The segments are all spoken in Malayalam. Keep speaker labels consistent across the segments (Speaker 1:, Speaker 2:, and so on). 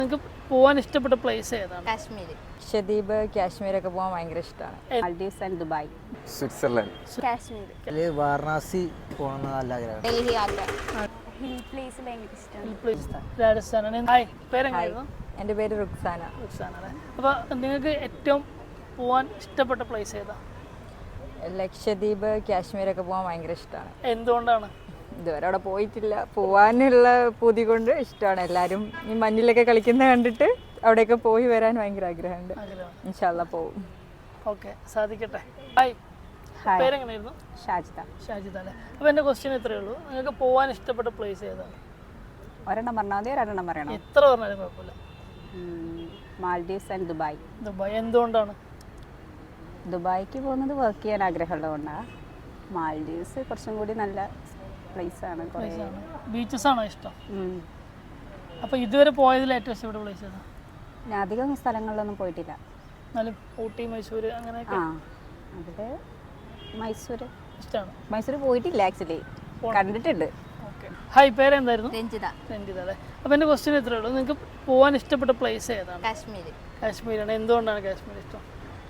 Speaker 1: നിങ്ങൾക്ക് പോകാൻ ഇഷ്ടപ്പെട്ട പ്ലേസ് ഏതാണ്?
Speaker 2: കാശ്മീർ.
Speaker 3: ലക്ഷദ്വീപ്, കാശ്മീരൊക്കെ പോകാൻ ഭയങ്കര ഇഷ്ടമാണ്.
Speaker 2: Maldives and Dubai.
Speaker 4: Switzerland.
Speaker 2: Kashmir.
Speaker 5: Varanasi പോകണമെന്ന് നല്ല ആഗ്രഹം.
Speaker 2: ഡൽഹി, ആഗ്ര.
Speaker 6: ഹിൽ പ്ലേസ് ഭയങ്കര ഇഷ്ടമാണ്.
Speaker 1: രാജസ്ഥാനാണ്. ഹായ്, പേരെങ്ങനെയായിരുന്നു?
Speaker 3: എൻ്റെ പേര് റുക്സാന.
Speaker 1: റുക്സാന അല്ലേ? അപ്പോൾ നിങ്ങൾക്ക് ഏറ്റവും പോകാൻ ഇഷ്ടപ്പെട്ട പ്ലേസ് ഏതാ?
Speaker 3: ലക്ഷദ്വീപ്, കാശ്മീരൊക്കെ പോകാൻ ഭയങ്കര ഇഷ്ടമാണ്.
Speaker 1: എന്തുകൊണ്ടാണ്?
Speaker 3: ഇതുവരെ അവിടെ പോയിട്ടില്ല. പോകാനുള്ള പൂതി കൊണ്ട് ഇഷ്ടമാണ്. എല്ലാവരും ഈ മഞ്ഞിലൊക്കെ കളിക്കുന്ന കണ്ടിട്ട് അവിടെയൊക്കെ പോയി വരാൻ ഭയങ്കര ആഗ്രഹമുണ്ട്. ഇൻഷാ അല്ലാ പോവും.
Speaker 1: ഓക്കെ, സാധിക്കട്ടെ. ഹായ്, പേരെങ്ങനെയായിരുന്നു?
Speaker 2: ഷാജിദ.
Speaker 1: ഷാജിദ അല്ലേ? അപ്പോൾ എൻ്റെ ക്വസ്റ്റ്യൻ ഇത്രയേ ഉള്ളൂ, നിങ്ങൾക്ക് പോകാൻ ഇഷ്ടപ്പെട്ട പ്ലേസ് ഏതാണ്?
Speaker 2: ഒരെണ്ണം പറഞ്ഞാൽ മതി, ഒരെണ്ണം പറയണം.
Speaker 1: എത്ര പറഞ്ഞാലും കുഴപ്പമില്ല.
Speaker 2: Maldives and Dubai.
Speaker 1: ദുബായ്. എന്തുകൊണ്ടാണ്?
Speaker 2: ദുബായിക്ക് പോകുന്നത് വർക്ക് ചെയ്യാൻ ആഗ്രഹമുള്ളതുകൊണ്ടാണ്. മാൽഡീവ്സ് കുറച്ചും കൂടി നല്ല പ്ലേസാണ്.
Speaker 1: ബീച്ചസ് ആണോ ഇഷ്ടം? അപ്പോൾ ഇതുവരെ പോയതിൽ ഏറ്റവും ഇഷ്ടപ്പെട്ട പ്ലേസ് ഏതാണ്?
Speaker 2: ഞാൻ അധികം സ്ഥലങ്ങളിലൊന്നും പോയിട്ടില്ല.
Speaker 1: എന്നാലും ഊട്ടി, മൈസൂർ അങ്ങനെയൊക്കെ.
Speaker 2: അവിടെ മൈസൂർ
Speaker 1: ഇഷ്ടമാണ്.
Speaker 2: മൈസൂർ പോയിട്ടില്ല, ആക്ച്വലി കണ്ടിട്ടുണ്ട്.
Speaker 1: ഓക്കെ. ഹായ്, പേരെന്തായിരുന്നു?
Speaker 2: രഞ്ജിത.
Speaker 1: രഞ്ജിത അല്ലേ? അപ്പോൾ എൻ്റെ ക്വസ്റ്റ്യൻ ഇത്രയേ ഉള്ളൂ, നിങ്ങൾക്ക് പോകാൻ ഇഷ്ടപ്പെട്ട പ്ലേസ് ഏതാണ്?
Speaker 2: കാശ്മീർ.
Speaker 1: കാശ്മീരാണ്. എന്തുകൊണ്ടാണ് കാശ്മീർ ഇഷ്ടം?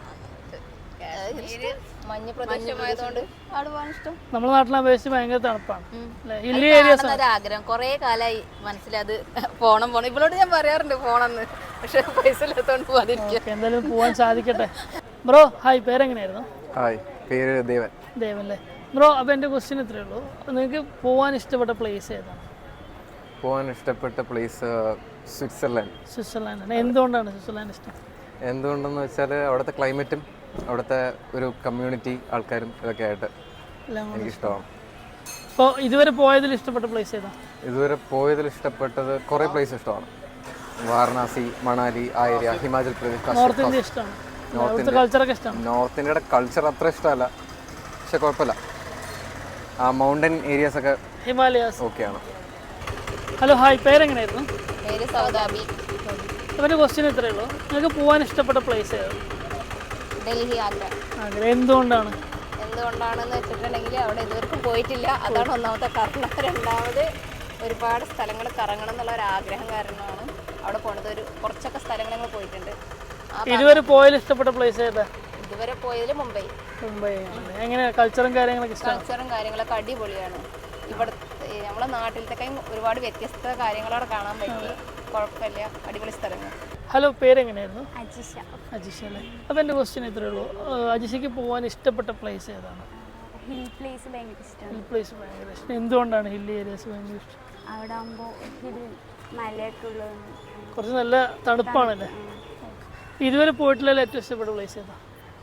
Speaker 2: മഞ്ഞ് പ്രദേശമായതുകൊണ്ട് അവിടെ പോകാൻ ഇഷ്ടം.
Speaker 1: നമ്മുടെ നാട്ടിലെ അപേക്ഷിച്ച് ഭയങ്കര തണുപ്പാണ് അല്ലേ? ഹില്ലി ഏരിയസ് ആണ്.
Speaker 2: ആഗ്രഹം കുറേ കാലമായി മനസ്സിലത് പോണം. ഇവളോട് ഞാൻ പറയാറുണ്ട് പോണെന്ന്, പക്ഷെ പൈസ ഇല്ലാത്തോണ്ട് പോകാതിരിക്കുക.
Speaker 1: എന്തായാലും പോകാൻ സാധിക്കട്ടെ. Bro hi, പേരെങ്ങനെയായിരുന്നു?
Speaker 4: ഹായ്, പേര് ദേവൻ.
Speaker 1: ദേവൻ അല്ലേ? ബ്രോ, അപ്പോൾ എൻ്റെ ക്വസ്റ്റ്യൻ ഇത്രയേ ഉള്ളൂ, നിങ്ങൾക്ക് പോകാൻ ഇഷ്ടപ്പെട്ട പ്ലേസ് ഏതാണ്?
Speaker 4: പോകാൻ ഇഷ്ടപ്പെട്ട പ്ലേസ് സ്വിറ്റ്സർലൻഡ്.
Speaker 1: സ്വിറ്റ്സർലാൻഡാണ്. എന്തുകൊണ്ടാണ് സ്വിറ്റ്സർലാൻഡ് ഇഷ്ടം?
Speaker 4: എന്തുകൊണ്ടെന്ന് വെച്ചാൽ അവിടുത്തെ ക്ലൈമറ്റും അവിടുത്തെ ഒരു കമ്മ്യൂണിറ്റി ആൾക്കാരും ഇതൊക്കെ ആയിട്ട് എനിക്കിഷ്ടമാണ്.
Speaker 1: അപ്പോൾ ഇതുവരെ പോയതിൽ ഇഷ്ടപ്പെട്ട പ്ലേസ് ഏതാണ്?
Speaker 4: ഇതുവരെ പോയതിൽ ഇഷ്ടപ്പെട്ടത് കുറേ പ്ലേസ് ഇഷ്ടമാണ്. വാരണാസി, മണാലി, ആ area, Himachal Pradesh.
Speaker 1: North India ഇഷ്ടമാണ്. നോർത്ത് കൾച്ചറൊക്കെ ഇഷ്ടമാണ്.
Speaker 4: നോർത്ത് ഇന്ത്യയുടെ കൾച്ചർ അത്ര ഇഷ്ടമല്ല, പക്ഷെ കുഴപ്പമില്ല. ആ മൗണ്ടൻ ഏരിയാസ് ഒക്കെ
Speaker 1: ഹിമാലയാസ്
Speaker 4: ഓക്കെയാണ്.
Speaker 1: ഹലോ ഹായ്, പേരെങ്ങനെയായിരുന്നു?
Speaker 2: പേര് സൗദാബി.
Speaker 1: അവൻ്റെ ക്വസ്റ്റ്യൻ ഇത്രയേ ഉള്ളൂ, നിങ്ങൾക്ക് പോകാൻ ഇഷ്ടപ്പെട്ട പ്ലേസ് ഏതാണ്?
Speaker 2: ഡൽഹി, ആഗ്ര.
Speaker 1: ആഗ്ര. എന്തുകൊണ്ടാണ്?
Speaker 2: എന്തുകൊണ്ടാണെന്ന് വെച്ചിട്ടുണ്ടെങ്കിൽ അവിടെ ഇതുവരെക്കും പോയിട്ടില്ല, അതാണ് ഒന്നാമത്തെ കാരണം. രണ്ടാമത് ഒരുപാട് സ്ഥലങ്ങൾ കറങ്ങണം എന്നുള്ള ഒരു ആഗ്രഹം കാരണമാണ് അവിടെ പോണത്. കുറച്ചൊക്കെ സ്ഥലങ്ങൾ ഞങ്ങൾ പോയിട്ടുണ്ട്.
Speaker 1: ഇതുവരെ പോയതിൽ ഇഷ്ടപ്പെട്ട പ്ലേസ് ഏതാ?
Speaker 2: ഇതുവരെ പോയതിൽ മുംബൈ.
Speaker 1: മുംബൈ. എങ്ങനെ കൾച്ചറും കാര്യങ്ങളൊക്കെ ഇഷ്ടമാണ്?
Speaker 2: കൾച്ചറും കാര്യങ്ങളൊക്കെ അടിപൊളിയാണ്. ഇവിടെ നമ്മളെ നാട്ടിലത്തെ ഒരുപാട് വ്യത്യസ്ത കാര്യങ്ങളവിടെ കാണാൻ പറ്റി. കുഴപ്പമില്ല, അടിപൊളി സ്ഥലങ്ങൾ.
Speaker 1: ഹലോ, പേരെങ്ങനെയായിരുന്നു?
Speaker 6: അജിഷ.
Speaker 1: അജിഷ അല്ലേ? അപ്പോൾ എൻ്റെ ക്വസ്റ്റ്യൻ ഇത്രയേ ഉള്ളൂ, അജിഷയ്ക്ക് പോകാൻ ഇഷ്ടപ്പെട്ട പ്ലേസ് ഏതാണ്?
Speaker 6: ഹിൽ പ്ലേസ് ഭയങ്കര ഇഷ്ടമാണ്.
Speaker 1: ഹിൽ പ്ലേസ് ഭയങ്കര ഇഷ്ടം. എന്തുകൊണ്ടാണ് ഹില്ലി ഏരിയാസ് ഭയങ്കര ഇഷ്ടം?
Speaker 6: അവിടെ ആകുമ്പോൾ ഹിൽ മലയൊക്കെ ഉള്ളത്
Speaker 1: കുറച്ച് നല്ല തണുപ്പാണല്ലേ? ഇതുവരെ പോയിട്ടില്ല ഏറ്റവും ഇഷ്ടപ്പെട്ട പ്ലേസ് ഏതാ?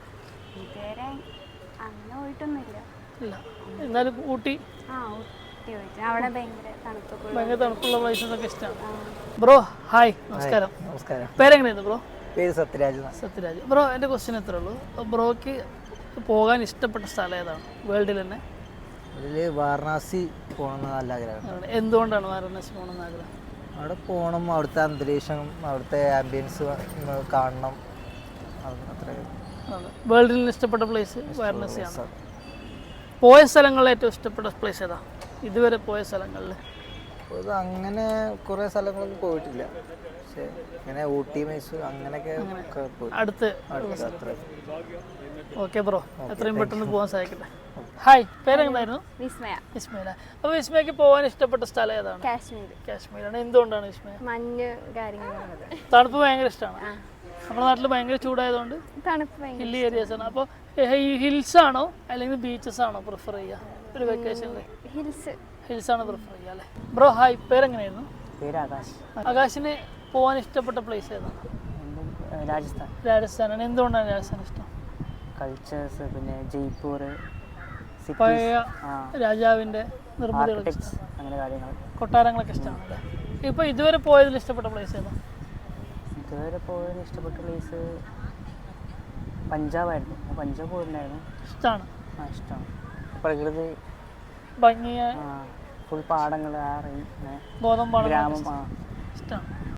Speaker 6: ഇതുവരെ അങ്ങനെ പോയിട്ടൊന്നുമില്ല.
Speaker 1: ഇല്ല, എന്നാലും ഊട്ടി.
Speaker 6: ഊട്ടി പോയിട്ട് അവിടെ ഭയങ്കര
Speaker 1: തണുപ്പുള്ള പ്ലേസസ് ഒക്കെ ഇഷ്ടമാണ്. ബ്രോ ഹായ്, നമസ്കാരം.
Speaker 5: നമസ്കാരം.
Speaker 1: പേരെങ്ങനെയായിരുന്നു ബ്രോ?
Speaker 5: പേര് സത്യരാജ്.
Speaker 1: സത്യരാജ്. ബ്രോ, എൻ്റെ ക്വസ്റ്റ്യൻ എത്ര ഉള്ളൂ, ബ്രോയ്ക്ക് പോകാൻ ഇഷ്ടപ്പെട്ട സ്ഥലം ഏതാണ് വേൾഡിൽ തന്നെ?
Speaker 5: അതിൽ വാരണാസി പോകണമെന്ന് നല്ല ആഗ്രഹം.
Speaker 1: എന്തുകൊണ്ടാണ് വാരണാസി പോകണമെന്ന് ആഗ്രഹം?
Speaker 5: അവിടെ പോകണം, അവിടുത്തെ അന്തരീക്ഷം, അവിടുത്തെ ആംബിയൻസ് കാണണം.
Speaker 1: വേൾഡിൽ ഇഷ്ടപ്പെട്ട പ്ലേസ് വാരണാസിയാണ്. പോയ സ്ഥലങ്ങളിൽ ഏറ്റവും ഇഷ്ടപ്പെട്ട പ്ലേസ് ഏതാ ഇതുവരെ പോയ സ്ഥലങ്ങളിൽ?
Speaker 5: അങ്ങനെ കുറേ സ്ഥലങ്ങളൊന്നും പോയിട്ടില്ല, പക്ഷേ ഇങ്ങനെ ഊട്ടി, മൈസൂർ അങ്ങനെയൊക്കെ
Speaker 1: അടുത്ത്.
Speaker 5: അത്ര.
Speaker 1: ഓക്കെ ബ്രോ, എത്രയും പെട്ടെന്ന് പോകാൻ സാധിക്കട്ടെ. ഹായ്, പേരെന്തായിരുന്നു?
Speaker 6: വിസ്മയ.
Speaker 1: വിസ്മയ. അപ്പോൾ വിസ്മയക്ക് പോകാൻ ഇഷ്ടപ്പെട്ട സ്ഥലം ഏതാണ്?
Speaker 6: കാശ്മീർ.
Speaker 1: കാശ്മീരാണ്. എന്തുകൊണ്ടാണ് വിസ്മയ?
Speaker 6: മഞ്ഞ് കാര്യങ്ങളുള്ളത്.
Speaker 1: തണുപ്പ് ഭയങ്കര ഇഷ്ടമാണ്. നമ്മുടെ നാട്ടിൽ ഭയങ്കര ചൂടായതുകൊണ്ട്
Speaker 6: തണുപ്പ്
Speaker 1: ഹില്ലി ഏരിയാസ് ആണ്. അപ്പോൾ ഈ ഹിൽസ് ആണോ അല്ലെങ്കിൽ ബീച്ചസ് ആണോ പ്രിഫർ ചെയ്യുക ഒരു വെക്കേഷനിൽ? ഹിൽസ് ആണ് പ്രിഫർ ചെയ്യുക അല്ലേ? ബ്രോ ഹായ്, പേരെങ്ങനെയായിരുന്നു?
Speaker 5: പേര് ആകാശ്.
Speaker 1: ആകാശിന് പോകാൻ ഇഷ്ടപ്പെട്ട പ്ലേസ് ഏതാണ്?
Speaker 5: രാജസ്ഥാൻ.
Speaker 1: രാജസ്ഥാനാണ്. എന്തുകൊണ്ടാണ് രാജസ്ഥാൻ ഇഷ്ടം?
Speaker 5: കൾച്ചേഴ്സ്, പിന്നെ ജയ്പൂർ,
Speaker 1: പഴയ രാജാവിൻ്റെ നിർമ്മിതികളൊക്കെ
Speaker 5: അങ്ങനെ കാര്യങ്ങൾ,
Speaker 1: കൊട്ടാരങ്ങളൊക്കെ ഇഷ്ടമാണ് അല്ലേ? ഇപ്പോൾ ഇതുവരെ പോയതിൽ ഇഷ്ടപ്പെട്ട പ്ലേസ് ഏതാണ്?
Speaker 5: ഇതുവരെ പോയതിൽ ഇഷ്ടപ്പെട്ട പ്ലേസ് പഞ്ചാബായിരുന്നു. പഞ്ചാബ് പോയിട്ടുണ്ടായിരുന്നു.
Speaker 1: ഇഷ്ടമാണ്.
Speaker 5: ഇഷ്ടമാണ്. പ്രകൃതി
Speaker 1: ഭംഗിയ
Speaker 5: ഫുൾ പാടങ്ങൾ,
Speaker 1: ഗോതമ്പാടം
Speaker 5: ഗ്രാമം
Speaker 1: ഇഷ്ടമാണ്.